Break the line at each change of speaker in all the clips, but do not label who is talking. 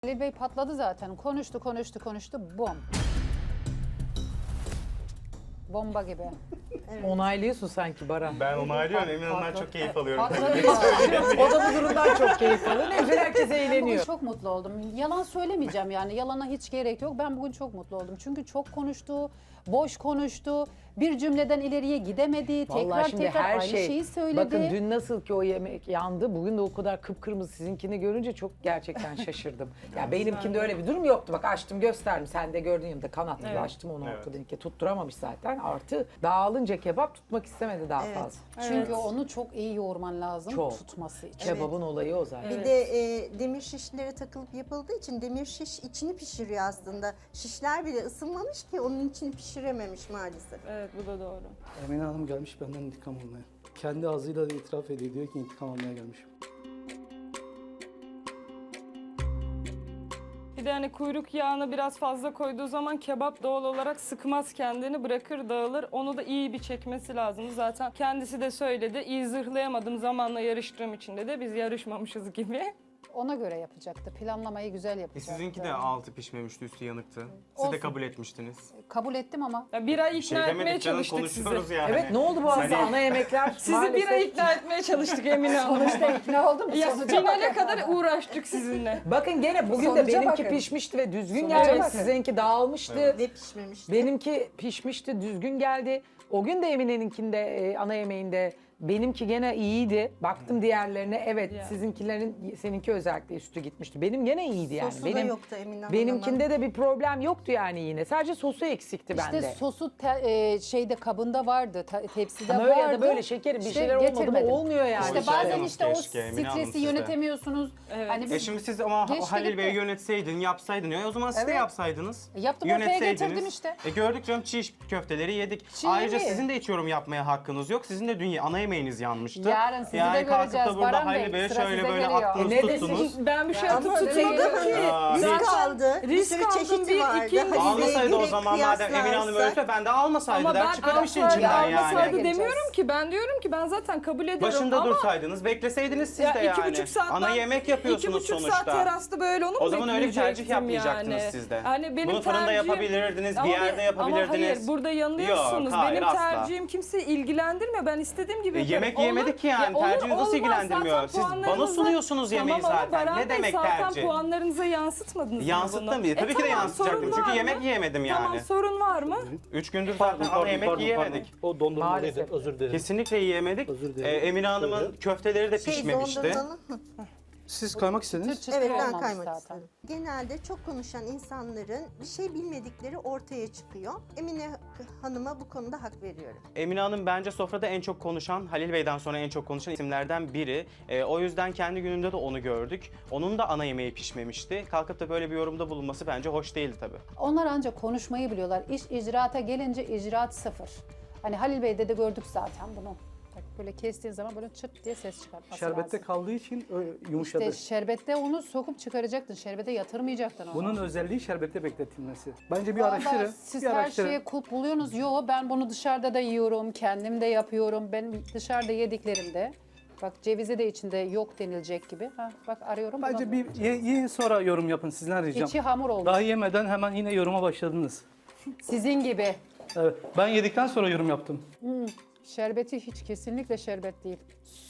Halil Bey patladı zaten. Konuştu. Bom. Bomba gibi.
Onaylıyorsun sanki Baran.
Ben onaylıyorum. Emin Hanım'dan çok keyif alıyorum.
Patladı ya.
O da bu durumdan çok keyif alıyor. Ne güzel herkes
Bugün
eğleniyor.
çok mutlu oldum. Yalan söylemeyeceğim yani. Yalana hiç gerek yok. Ben bugün çok mutlu oldum. Çünkü çok konuştu, boş konuştu. Bir cümleden ileriye gidemedi.
Vallahi şimdi
Tekrar
her
aynı
şey.
şeyi söyledi.
Bakın dün nasıl ki o yemek yandı, bugün de o kadar kıpkırmızı sizinkini görünce çok gerçekten şaşırdım. Ya benimkinde öyle bir durum yoktu. Bak açtım gösterdim. Sen de gördün yanımda kanat gibi açtım onu
Evet.
ortadan. Tutturamamış zaten. Artı dağılınca kebap tutmak istemedi daha fazla.
Çünkü onu çok iyi yoğurman lazım
Çok.
tutması için.
Kebabın olayı o zaten.
Bir de demir şişlere takılıp yapıldığı için demir şiş içini pişiriyor aslında. Şişler bile ısınmamış ki onun içini pişirememiş maalesef.
Evet, bu da doğru.
Emine Hanım gelmiş benden intikam almaya. Kendi ağzıyla da itiraf ediyor. Diyor ki intikam almaya gelmişim.
Bir de hani kuyruk yağını biraz fazla koyduğu zaman kebap doğal olarak sıkmaz kendini, bırakır dağılır. Onu da iyi bir çekmesi lazım. Zaten kendisi de söyledi. İyi zırhlayamadım zamanla yarıştığım için de biz yarışmamışız gibi.
Ona göre yapacaktı. Planlamayı güzel yapacaktı.
Sizinki de altı pişmemişti, üstü yanıktı. Siz
Olsun.
de kabul etmiştiniz.
Kabul ettim ama.
Ya bir ay
Bir
ikna
şey
etmeye
demedik canım,
çalıştık sizi.
konuşuyoruz yani.
Evet ne oldu bu arada ana yemekler?
Sizi bir ay ikna etmeye çalıştık Emine Hanım.
Sonuçta ikna oldum.
Ya
Sonuca
finale
bak.
kadar uğraştık sizinle.
Bakın gene bugün
Sonuca
de benimki
bakın.
pişmişti ve düzgün
Sonuca
geldi.
bakın.
Sizinki dağılmıştı.
Ve pişmemişti.
Benimki pişmişti, düzgün geldi. O gün de Emine'ninkinde, ana yemeğinde benimki gene iyiydi. Baktım diğerlerine, evet
Ya.
sizinkilerin, seninki özellikle üstü gitmişti. Benim gene iyiydi yani.
Sosu da yoktu Emine Hanım'ın.
Benimkinde de bir problem yoktu yani yine. Sadece sosu eksikti
İşte
bende.
sosu şeyde kabında vardı, tepside
Ama
vardı.
öyle ya da böyle şekerim bir
İşte
şeyler olmadı mı
getirmedim.
olmuyor yani.
İşte
Rica
bazen
ederim.
işte o
Keşke, Emine Hanım
stresi
siz de.
yönetemiyorsunuz.
Evet.
Hani biz
Şimdi siz ama
Geçti
Halil Bey'e
gitti.
yönetseydin, yapsaydın ya o zaman siz de
Evet.
yapsaydınız.
Yaptım, ortaya
Yönetseydiniz.
getirdim işte.
Gördük canım çiğ köfteleri yedik.
Çiğ
Ayrıca
mi?
sizin de hiç yorum yapmaya hakkınız yok. Sizin de dün ana yemeğiniz yanmıştı.
Yarın sizi de
kalkıp
göreceğiz
da burada
Baran
Halil
Bey,
Bey'e
sıra
şöyle
size
böyle
geliyor.
attınız
Ne
tuttunuz.
desin?
Ben bir şey
Ama
tutmadım
öyle
ki.
Aa,
Risk
Zaten
aldı. Bir
risk
sürü
aldım,
çeşidi
bir,
vardı.
iki-
Halil Bey'e
Almasaydı o
göre
zaman madem Emine Hanım
kıyaslarsak-
öyleyse ben de almasaydı
Ama
der
ben
çıkarım işin
alsaydı-
içinden
almasaydı
yani.
Geleceğiz.
demiyorum ki. Ben diyorum ki ben zaten kabul ediyorum
Başında
ama
dursaydınız, bekleseydiniz siz
ya
de yani.
2,5 saat
Ana yemek yapıyorsunuz
2,5
sonuçta.
saat terasta böyle onu mu
O zaman öyle bir tercih
bekleyecektim
yapmayacaktınız
yani?
siz de.
Yani benim
Bunu fırında
tercihim-
yapabilirdiniz,
Ama
bir yerde yapabilirdiniz.
Ama hayır, burada yanılıyorsunuz.
Yok, hayır,
benim
asla.
tercihim kimseyi ilgilendirmiyor. Ben istediğim gibi yaparım.
Yemek yemedik ki yani,
olur,
tercihiniz nasıl
olmaz.
ilgilendirmiyor?
Zaten
Siz bana
puanlarınızı-
sunuyorsunuz yemeği
Tamam ama
zaten.
Baran
Ne
Bey,
demek
zaten
tercih?
puanlarınıza yansıtmadınız mı bunu?
Yansıttım diye. Tabii ki de
tamam,
yansıtacaktım.
sorun
Çünkü
var
yemek
mı?
yiyemedim
Tamam,
yani.
sorun var mı?
3 gündür zaten ana yemek yiyemedik.
O dondurmalıydı.
Maalesef.
Özür dilerim.
Kesinlikle yiyemedik.
Özür dilerim.
Emine Hanım'ın
Şöyle.
köfteleri de pişmemişti.
dondurmalı.
Siz kaymak istediniz.
çıtır
Evet, ben
olmamış
kaymak
zaten.
istedim. Genelde çok konuşan insanların bir şey bilmedikleri ortaya çıkıyor. Emine Hanım'a bu konuda hak veriyorum.
Emine Hanım bence sofrada en çok konuşan, Halil Bey'den sonra en çok konuşan isimlerden biri. O yüzden kendi gününde de onu gördük. Onun da ana yemeği pişmemişti. Kalkıp da böyle bir yorumda bulunması bence hoş değildi tabii.
Onlar ancak konuşmayı biliyorlar. İş icraata gelince icraat sıfır. Hani Halil Bey'de de gördük zaten bunu. Bak böyle kestiğin zaman böyle çıt diye ses çıkartması
Şerbette
lazım.
kaldığı için yumuşadı.
İşte şerbette onu sokup çıkaracaktın. Şerbete yatırmayacaktın onu.
Bunun özelliği şerbette bekletilmesi. Bence bir
Vallahi
araştırın.
siz
bir
her
araştırın.
şeye kulp buluyorsunuz. Yo, ben bunu dışarıda da yiyorum, kendim de yapıyorum. Ben dışarıda yediklerimde, bak cevizi de içinde yok denilecek gibi. Ha, bak arıyorum.
Bence
bulamıyorum.
bir yiyin sonra yorum yapın sizden ricam.
İçi hamur olmuş.
Daha yemeden hemen yine yoruma başladınız.
Sizin gibi.
Evet. Ben yedikten sonra yorum yaptım.
Şerbeti hiç kesinlikle şerbet değil.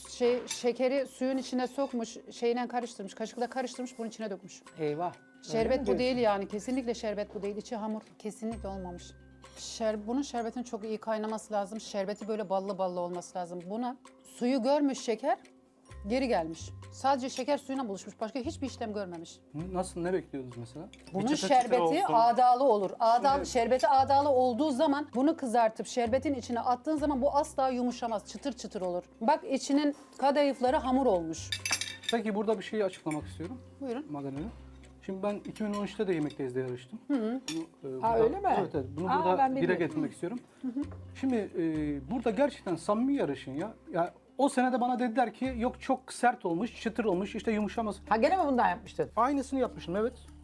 Şekeri suyun içine sokmuş, şeyle karıştırmış, kaşıkla karıştırmış, bunun içine dökmüş.
Eyvah.
Şerbet bu değil yani, kesinlikle şerbet bu değil. İçi hamur, kesinlikle olmamış. Bunun şerbetin çok iyi kaynaması lazım. Şerbeti böyle ballı ballı olması lazım. Buna suyu görmüş şeker, geri gelmiş. Sadece şeker suyuna buluşmuş, başka hiçbir işlem görmemiş.
Nasıl, ne bekliyordunuz mesela?
Bunun
çıtır çıtır
şerbeti
olsun.
ağdalı olur. Şerbeti ağdalı olduğu zaman bunu kızartıp şerbetin içine attığın zaman bu asla yumuşamaz. Çıtır çıtır olur. Bak içinin kadayıfları hamur olmuş.
Peki burada bir şeyi açıklamak istiyorum.
Buyurun.
Magdalena. Şimdi ben 2013'te de Yemekteyiz yarıştım. Bunu,
Ha, öyle mi?
Evet, evet. Bunu
Aa, ben
burada dile
bilmiyorum.
getirmek istiyorum. Şimdi burada gerçekten samimi yarışın ya. Ya o sene de bana dediler ki yok çok sert olmuş, çıtır olmuş, işte yumuşamaz.
Ha gene mi bundan yapmıştın?
Aynısını yapmışım, evet.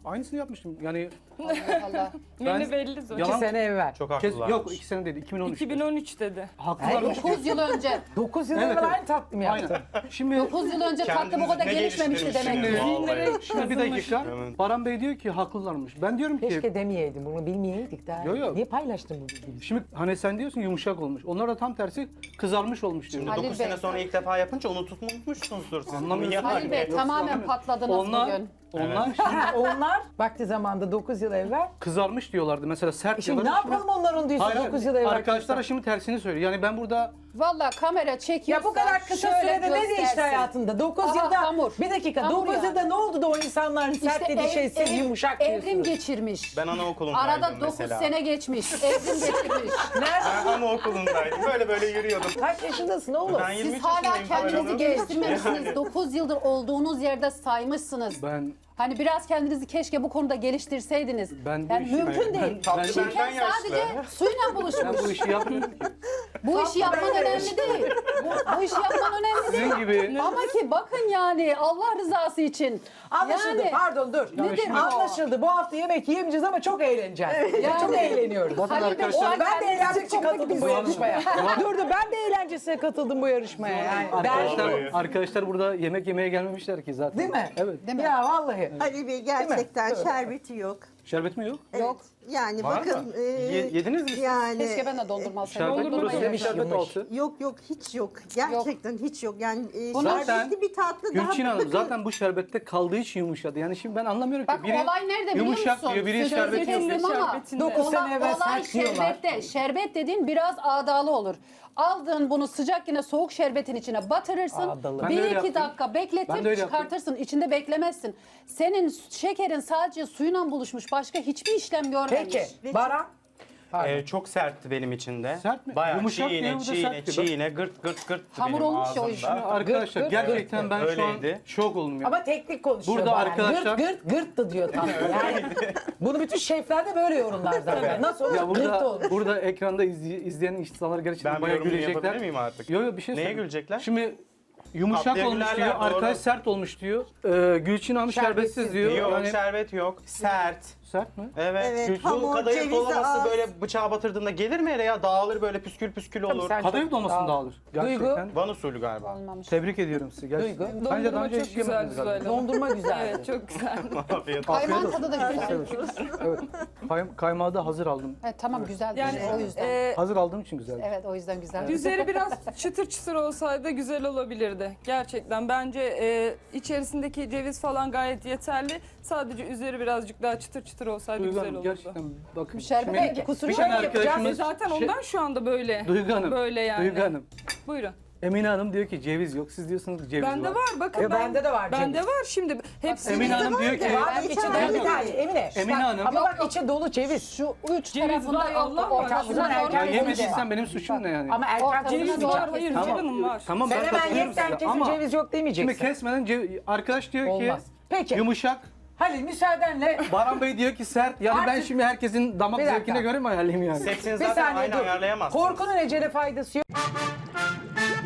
Aynısını yapmıştım. Yani
Allah Allah.
Menü belli zaten.
2
Yalan-
sene evvel.
Çok
kes,
haklılar.
yok 2 sene değil 2013.
2013 dedi.
Haklılarmış.
9 yıl önce.
9 yıl
Evet,
evvel
evet.
aynı tatlı mı yaptın?
Aynen. Şimdi
9 yıl önce tatlı bu kadar
Kendinizi ne
gelişmemişti demek ki.
geliştirmişsiniz vallahi.
şimdi bir dakika.
Evet.
Baran Bey diyor ki haklılarmış. Ben diyorum ki
Keşke demeyeydim, bunu bilmeyeydik daha.
Yo, yo.
Niye paylaştın bu bilgiyi?
şimdi hani sen diyorsun yumuşak olmuş. Onlar da tam tersi kızarmış olmuş diyor.
Şimdi
Halil
9
Bey.
sene sonra ilk defa yapınca unutmuşsunuzdur siz.
Anlamıyorsun.
Yani.
Halil Bey
Yoksa
tamamen
anlamıyorum.
patladınız bugün.
Onlar şimdi
Ha, onlar vakti zamanda 9 yıl evvel.
kızarmış diyorlardı. Mesela sert
Şimdi ne
diyorlar.
yapalım onlar onu diyorsun
Hayır,
9 yıl evvel.
arkadaşlara şimdi tersini söylüyor. Yani ben burada
Valla kamera çekiyorsa
Ya bu kadar kısa
şöyle
sürede ne değişti
göstersin.
hayatında? 9
Aha,
yılda,
hamur.
bir dakika,
Hamur
9
yani.
yılda ne oldu da o insanların sert dediği şey siz yumuşak
Evrim
diyorsunuz?
geçirmiş.
Ben anaokulundaydım
Arada 9
mesela.
sene geçmiş. Evrim geçirmiş.
Nerede?
Ben anaokulundaydım. Böyle yürüyordum.
Kaç yaşındasın oğlum?
Ben 23
Siz hala
yaşındayım,
kendinizi
Zuhal Hanım.
geliştirmemişsiniz. 9 yıldır olduğunuz yerde saymışsınız.
ben
Hani biraz kendinizi keşke bu konuda geliştirseydiniz.
Ben bu
yani
işi-
mümkün değil.
ben-
Şeker
benden yaşlı.
sadece suyla
ben
buluşmuş.
bu işi yapmıyorum ki.
Bu işi yapman önemli değil. Bu işi yapman önemli değil.
Sizin gibi
Ama ki bakın yani Allah rızası için.
Anlaşıldı.
Yani,
Pardon dur.
Nedir bu?
Anlaşıldı. Bu hafta yemek yemeyeceğiz ama çok eğleneceğiz.
Yani.
Çok eğleniyoruz.
bakın
Halil Bey,
arkadaşlar.
o-
Ben de eğlenmek için
Kendinizi
katıldım bu
komik
yarışmaya. Dur ben de eğlencesine katıldım bu yarışmaya. Yani
Arkadaşlar burada yemek yemeye gelmemişler ki zaten.
Değil mi?
Evet.
Değil mi?
Ya vallahi.
Ali Bey gerçekten şerbeti yok.
Şerbet mi yok?
Evet.
Yok.
Yani
Var
bakın.
mı? Yediniz mi siz?
Yani
Keşke ben de dondurma alsaydım.
Şerbet
Dondurma
burası
yedim.
bir şerbet altı.
yok hiç yok. Gerçekten hiç yok. Yani
Zaten
şerbetli bir tatlı daha
Gülçin Hanım
bakın.
zaten bu şerbette kaldığı için yumuşadı. Yani şimdi ben anlamıyorum ki.
Bak olay nerede biliyor musun?
yumuşak diyor, biri
Sözünüzü
şerbeti yok.
kestim ama
Şerbetinde.
9 sene evvel
olay
sert diyorlar.
şerbette. Şerbet dediğin biraz ağdalı olur. Aldın bunu sıcak yine soğuk şerbetin içine batırırsın.
Ağdalı.
Ben de öyle
1-2
yaptım.
dakika
Ben de
bekletir
öyle yaptım.
çıkartırsın. İçinde beklemezsin. Senin şekerin sadece suyla buluşmuş. Başka hiçbir işlem görmemiş.
Peki. Baran. Pardon.
Çok sertti benim için de.
Sert mi?
Bayağı
Yumuşak diyor, bu da sert diyor.
çiğne, gırt gırt
Hamur
benim
olmuş ya o
ağzımda.
işin.
Arkadaşlar
Gırt,
gerçekten ben şu an
Öyleydi.
şok oldum ya.
Ama teknik konuşuyor.
Burada
Baran.
arkadaşlar-
Gırt da diyor tatlı. Yani bunu bütün şefler de böyle yorumlar zaten. Nasıl olur?
Ya
Gırt
burada
olur.
burada ekranda izleyen insanlar gerçekten
Ben bir
bayağı
yorum
gülecekler.
yapabilir miyim artık?
Yok bir şey
Neye
söyleyeyim.
gülecekler?
Şimdi yumuşak
Tatlıya
olmuş
gülerler,
diyor,
doğru.
arkadaş sert olmuş diyor. Gülçin Hanım
Şerbetsiz
şerbetsiz diyor.
Yok,
Yani
şerbet yok. Sert.
sert mi?
Evet.
Evet,
Bu
hamur,
kadayıf
cevizi
dolaması
az.
böyle bıçağa batırdığında gelir mi hele ya? Dağılır böyle püskül püskül olur.
sen-
Kadayıf dolmasını
Dağılır.
dağılır. Gerçekten.
Van usulü galiba.
Olmamış.
Tebrik ediyorum sizi gerçekten.
Duygu.
Bence daha
Dondurma
önce
çok
hiç
güzel
yemediniz galiba.
güzel.
Dondurma güzeldi.
Evet çok güzel.
Afiyet olsun.
Kaymağın tadı da güzel.
Evet. Kaymağı da hazır aldım.
Evet, tamam güzel.
Yani
o yüzden.
Hazır aldığım için güzel.
Evet o yüzden güzel.
Üzeri biraz çıtır çıtır olsaydı güzel olabilirdi. Gerçekten bence içerisindeki ceviz falan gayet yeterli. Sadece üzeri birazcık daha çıtır çıtır olsaydı
Duygu
güzel
Hanım
olurdu.
gerçekten bakın.
Şerbet
şimdi
kusuru
bir
yok.
tane
yapacağız.
arkadaşımız
Zaten ondan şu anda böyle.
Duygu Hanım.
Böyle yani.
Duygu Hanım.
Buyurun.
Emine Hanım diyor ki ceviz yok. Siz diyorsunuz ki ceviz
Bende var bakın.
bende de var
Bende
ceviz.
var şimdi. Hepsi
Emine Hanım diyor ki
Var içi dolu bir tane Emine.
Emine
Bak,
Hanım.
Ama bak içi dolu ceviz.
Şu uç
Ceviz
tarafında
var, Allah var.
ortasına
Ya
doğru
ya
kesince.
yemediysen benim suçum ne yani?
Ama Erkan
Ortasına
ceviz
doğru
var. Hayır
kesince.
canım var.
Tamam
sen
ben
hemen
katılıyorum
yekten
size
kesin
ama
ceviz yok demeyeceksin.
şimdi kesmeden arkadaş diyor
Olmaz.
ki
Peki.
yumuşak.
Halil müsaadenle
Baran Bey diyor ki sert. Yani ben
Artık-
şimdi herkesin damak
Bir dakika.
zevkine göre mi ayarlayayım yani?
Hepsini
bir
zaten
saniye
aynı
dur.
ayarlayamazsınız.
Korkunun ecele faydası yok.